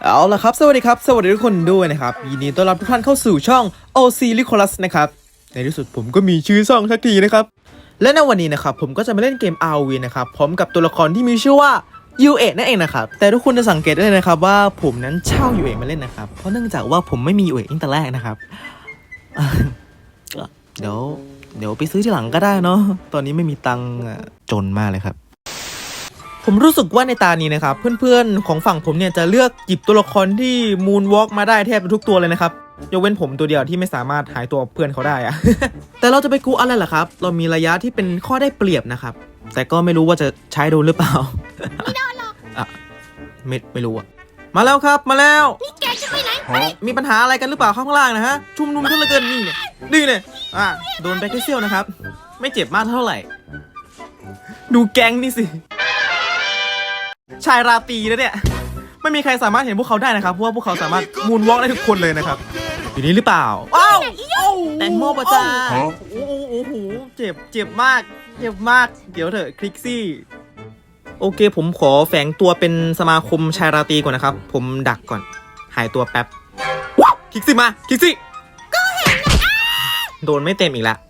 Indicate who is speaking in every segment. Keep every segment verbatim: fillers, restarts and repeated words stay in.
Speaker 1: เอาละครับสวัสดีครับสวัสดีทุกคนด้วยนะครับยินดีต้อนรับทุกท่านเข้าสู่ช่อง โอ ซี Nicholas นะครับในที่สุดผมก็มีชื่อช่องสักทีนะครับและในวันนี้นะครับผมก็จะมาเล่นเกม อาร์ โอ วี นะครับพร้อมกับตัวละครที่มีชื่อว่า ยู เอ นั่นเองนะครับแต่ทุกคนจะสังเกตได้เลยนะครับว่าผมนั้นเช่า ยู เอ มาเล่นนะครับเพราะเนื่องจากว่าผมไม่มี ยู เอ ตั้งแต่แรกนะครับเดี๋ยวเดี๋ยวไปซื้อที่หลังก็ได้เนาะตอนนี้ไม่มีตังค์จนมากเลยครับผมรู้สึกว่าในตานี้นะครับเพื่อนๆของฝั่งผมเนี่ยจะเลือกหยิบตัวละครที่มูนวอล์กมาได้แทบทุกตัวเลยนะครับยกเว้นผมตัวเดียวที่ไม่สามารถหายตัวเพื่อนเขาได้อะ แต่เราจะไปกูอะไรล่ะครับเรามีระยะที่เป็นข้อได้เปรียบนะครับแต่ก็ไม่รู้ว่าจะใช้โดนหรือเปล่า
Speaker 2: ไม่โดนหรอก
Speaker 1: อ่ะไม่ไม่รู้อะมาแล้วครับมาแล้ว
Speaker 2: นี่แกจะไปไหนไป
Speaker 1: มีปัญหาอะไรกันหรือเปล่าข้างล่างนะฮะชุมนุมกันเหลือเกินนี่เนี่ยนี่เนี่ยอ่ะโดนแบคทีเซียลนะครับไม่เจ็บมากเท่าไหร่ดูแก๊งนี่สิชายราตรีนะเนี่ยไม่มีใครสามารถเห็นพวกเขาได้นะครับเพราะว่าพวกเขาสามารถมูนวอล์กได้ทุกคนเลยนะครับอยู่นี่หรือเปล่าว้าวแตงโมปะจ้าโอ้โหโอ้โหเจ็บเจ็บมากเจ็บมากเดี๋ยวเถอะคลิกซี่โอเคผมขอแฝงตัวเป็นสมาคมชายราตรีก่อนนะครับผมดักก่อนหายตัวแป๊บคลิกซี่มาคลิกซี่ก็เห็นโดนไม่เต็มอีกแล้ว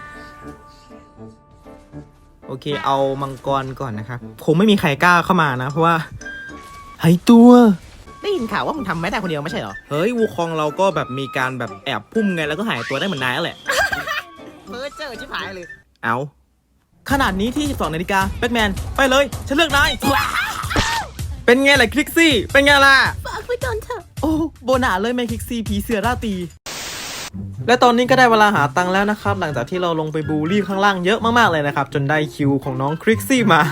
Speaker 1: โอเคเอามังกรก่อนนะครับคงไม่มีใครกล้าเข้ามานะเพราะว่าหายตัวได้ยินข่าวว่ามึงทำไม่ได้คนเดียวไม่ใช่เหรอเฮ้ยวูคองเราก็แบบมีการแบบแอบพุ่มไงแล้วก็หายตัวได้เหมือนนายนั่นแหละ
Speaker 2: เพ้อเจอชิบหายเลย
Speaker 1: เอาขนาดนี้ที่สิบสองนาฬิกาแบ็คแมนไปเลยฉันเลือกนายเป็นไงล่ะคลิกซี่เป็นไงล่ะ
Speaker 2: ฝากไว้ก่อนเถอะ
Speaker 1: โอ้โบนาเลยแมคลิกซี่ผีเสือราตรีและตอนนี้ก็ได้เวลาหาตังค์แล้วนะครับหลังจากที่เราลงไปบูลลี่ข้างล่างเยอะมากๆเลยนะครับจนได้คิวของน้องคลิกซี่มา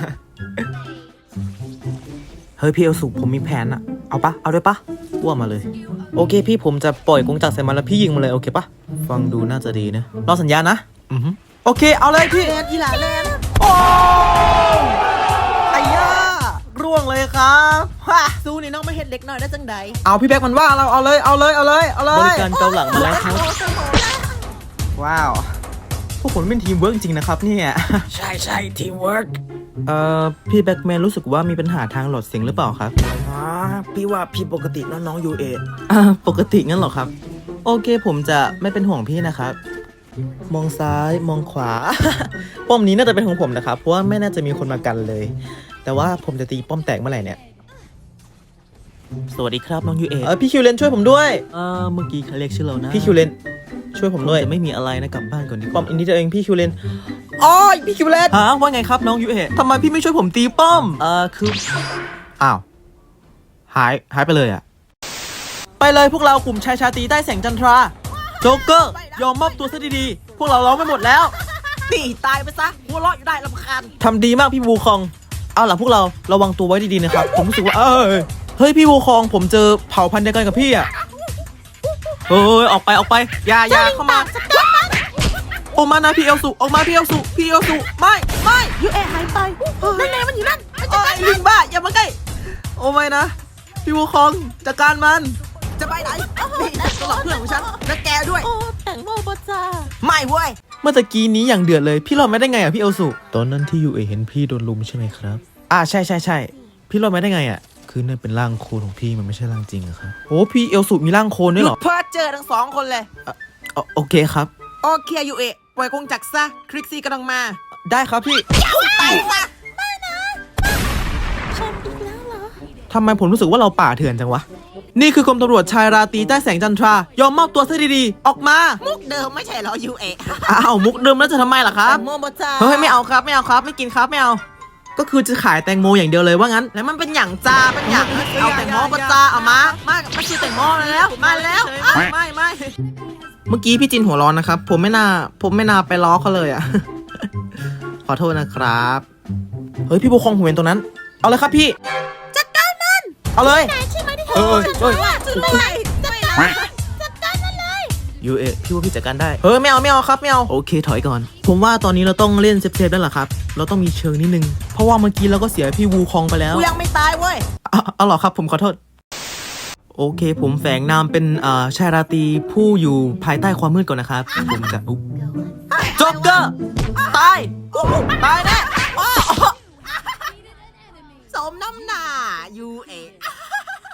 Speaker 1: เฮ้ยพี่เอลสุผมมีแผนอะเอาปะเอาด้วยปะว่ามาเลยโอเคพี่ผมจะปล่อยกงจักรใส่มันแล้วพี่ยิงมาเลยโอเคปะฟังดูน่าจะดีนะรอสัญญาณนะอือฮึโอเคเอาเลยพี่
Speaker 2: แลนอีหลาแลน
Speaker 1: โอ้ไอ้ย่าร่วงเลยครับ
Speaker 2: ฮ่าสู้นี่น้องไม่เห็นเล็กน้อยได้จังใด
Speaker 1: เอาพี่แบ็คมันว่าเราเอาเลยเอาเลยเอาเลยเอาเลยบริการเกาหลังมาแล้วครับว้าวพวกผมเป็นทีมเวิร์กจริงนะครับเนี่ย
Speaker 2: ใช่ใช่ทีมเวิร์ก
Speaker 1: เอ่อพี่แบ็คแมนรู้สึกว่ามีปัญหาทางหลอดเสียงหรือเปล่าครับ
Speaker 2: อ๋อพี่ว่าพี่ปกติน้องน้องยูเอ
Speaker 1: อ่าปกติงั้นเหรอครับโอเคผมจะไม่เป็นห่วงพี่นะครับมองซ้ายมองขวา ป้อมนี้น่าจะเป็นของผมนะครับเพราะว่าไม่น่าจะมีคนมากันเลยแต่ว่าผมจะตีป้อมแตกเมื่อไหร่เนี่ยสวัสดีครับน้องยูเอเออพี่คิวเลนช่วยผมด้วยเออเมื่อกี้เขาเรียกชื่อเรานะพี่คิวเลนช่วยผมด้วยจะไม่มีอะไรนะกลับบ้านก่อนดีป้อมอินดี้ตัวเองพี่คิวเลนอ๋อพี่คิวเลนฮะว่าไงครับน้องยูเอทำไมพี่ไม่ช่วยผมตีป้อมเออคืออ้าวหายหายไปเลยอะไปเลยพวกเรากลุ่มชายชาตรีใต้แสงจันทราโจ๊กเกอร์ยอมมอบตัวซะดีๆพวกเราร้องไม่หมดแล้ว
Speaker 2: ตีตายไปซะหัวเราะอยู่ได้รำคาญ
Speaker 1: ทำดีมากพี่วูคองเอาล่ะพวกเราระวังตัวไว้ดีๆนะครับผมรู้สึกว่าเออเฮ้ยพี่วูคองผมเจอเผ่าพันธุ์เดียวกันกับพี่อะเฮ้ยออกไปออกไปอย่าอย่าเข้ามาออกมานะพี่เอลสุออกมาพี่เอลสุพี่เอลสุไม่ไม่
Speaker 2: ยูเอหายไปนั่นไงมันอยู่นั่น
Speaker 1: ไอ้ลิงบ้าอย่ามาใกล้โอ้ไม่นะพี่วูคองจัดการมัน
Speaker 2: จะไปไหนนี่ตลอดเพื่อนของฉันและแกด้วยโอ้แต่งโมบจ้าไม่เว้ย
Speaker 1: เมื่อตะกี้นี้อย่างเดือดเลยพี่รอดไม่ได้ไงอ่ะพี่เอลสุตอนนั้นที่ยูเอเห็นพี่โดนลุมใช่ไหมครับอ่าใช่ใช่ใช่พี่รอดไม่ได้ไงอ่ะคือนั่นเป็นร่างโคลนของพี่มันไม่ใช่ร่างจริงอะครับโอ้พี่เอลสุมีร่างโคลนด้วยเหรอ
Speaker 2: เพื่อเจอทั้งสองคนเลย
Speaker 1: โอเคครับ
Speaker 2: โอเคยูเอปล่อยกงจักรซะคลิกซี่กำลังมา
Speaker 1: ได้ครับพี่
Speaker 2: ตายซะไม่นะชนอีกแล้วเหรอ
Speaker 1: ทำไมผมรู้สึกว่าเราป่าเถื่อนจังวะนี่คือกรมตำรวจชายราตรีใต้แสงจันทรายอมมอบตัวซะดีๆออกมา
Speaker 2: มุกเดิมไม่ใช่เหรอยูเอ
Speaker 1: อ้าวมุกเดิมแล้วจะทำไมล่ะครับ
Speaker 2: โมบจ้า
Speaker 1: เฮ้ยไม่เอาครับไม่เอาครับไม่กินครับไม่เอาก็คือจะขายแตงโมอย่างเดียวเลยว่างั้น
Speaker 2: แล้วมันเป็นอย่างจ้าเป็นอย่างเอาแตงโมบจ้าเอามามามาซื้อแตงโมแล้วมาแล้วไม่ไม่
Speaker 1: เมื่อกี้พี่จินหัวร้อนนะครับผมไม่น่าผมไม่น่าไปล้อเขาเลยอ่ะ ขอโทษนะครับเฮ้ยพี่บุคคงผมเห็นตรงนั้นเอาเลยครับพี่
Speaker 2: จัดการมัน
Speaker 1: เอาเลย
Speaker 2: เออเออจัดการจัดการมันเลย
Speaker 1: ยูเอพี่ว่าพี่จัดการได้เฮ้ยไม่เอาไม่เอาครับไม่เอาโอเคถอยก่อนผมว่าตอนนี้เราต้องเล่นเซฟๆแล้วล่ะครับเราต้องมีเชิงนิดนึงเพราะว่าเมื่อกี้เราก็เสียพี่วูคองไปแล้ว
Speaker 2: กูยังไม่ตายเว้ย
Speaker 1: เอาหรอครับผมขอโทษโอเคผมแฝงนามเป็นชายราตรีผู้อยู่ภายใต้ความมืดก่อนนะครับผมจะอุ๊บจ็อกเกอร์ตายตายแน่
Speaker 2: สมน้ำหน้ายูเอ
Speaker 1: พี่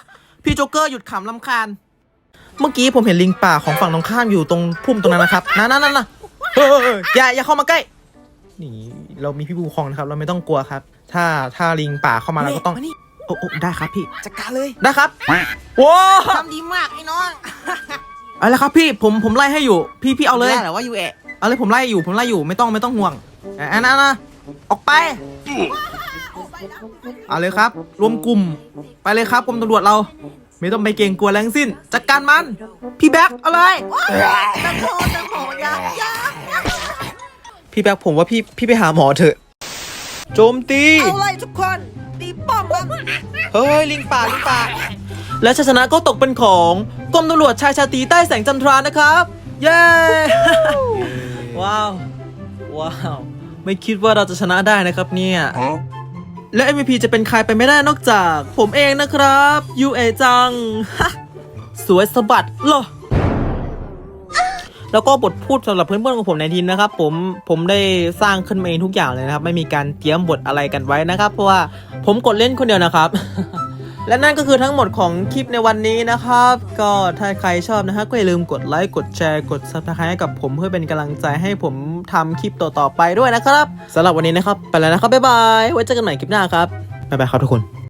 Speaker 2: พี่โจ๊กเกอร์หยุดขำลำคาญ
Speaker 1: เมื่อกี้ผมเห็นลิงป่าของฝั่งตรงข้ามอยู่ตรงพุ่มตรงนั้นนะครับนั่นนั่นนั่นนะเฮ้ยอย่าอย่าเข้ามาใกล้นี่เรามีพี่บูคองนะครับเราไม่ต้องกลัวครับ ถ้าถ้าลิงป่าเข้ามาเราก็ต้อง
Speaker 2: มานี่
Speaker 1: โอ้โอ้ได้ครับพี่
Speaker 2: จัดการเลย
Speaker 1: ได้ครับว้าว
Speaker 2: ทำดีมากไอ้น้อง
Speaker 1: เอาละครับพี่ผมผมไล่ให้อยู่ พี่พี่เอาเลย
Speaker 2: ได้เหรอว่ายูเอะ
Speaker 1: เอาเลยผมไล่อยู่ผมไล่อยู่ไม่ต้องไม่ต้องห่วงอ่ะนะนะออกไปเอาเลยครับ รวมกลุ่มไปเลยครับกรมตำรวจเรา ไม่ต้องไปเกรงกลัวแรงสิ้นจัดการมันพี่แบ็คเอาเลย
Speaker 2: แตงโมแตงโมอยาอยา
Speaker 1: พี่แบ็คผมว่าพี่พี่ไปหาหมอเถอะโจมตี
Speaker 2: เอาเลยทุกคนตีป้อมมัน
Speaker 1: เฮ้ยลิงป่าลิงป่าและชัยชนะก็ตกเป็นของกรมตำรวจชายชาตรีใต้แสงจันทรานะครับ เย้ ว้าวว้าวไม่คิดว่าเราจะชนะได้นะครับเนี่ย และ เอ็ม วี พี จะเป็นใครไปไม่ได้นอกจากผมเองนะครับยูเอจัง สวยสะบัดเหรอแล้วก็บทพูดสำหรับเพื่อนๆของผมในทีมนะครับผมผมได้สร้างขึ้นมาเองทุกอย่างเลยนะครับไม่มีการเตรียมบทอะไรกันไว้นะครับเพราะว่าผมกดเล่นคนเดียวนะครับ และนั่นก็คือทั้งหมดของคลิปในวันนี้นะครับ ก็ถ้าใครชอบนะฮะก็อย่าลืมกดไลค์กดแชร์กด ซับสไครบ์ ให้กับผมเพื่อเป็นกำลังใจให้ผมทำคลิปต่อๆไปด้วยนะครับสำหรับวันนี้นะครับไปแล้วนะครับบ๊ายบายไว้เจอกันใหม่คลิปหน้าครับบ๊ายบายครับทุกคน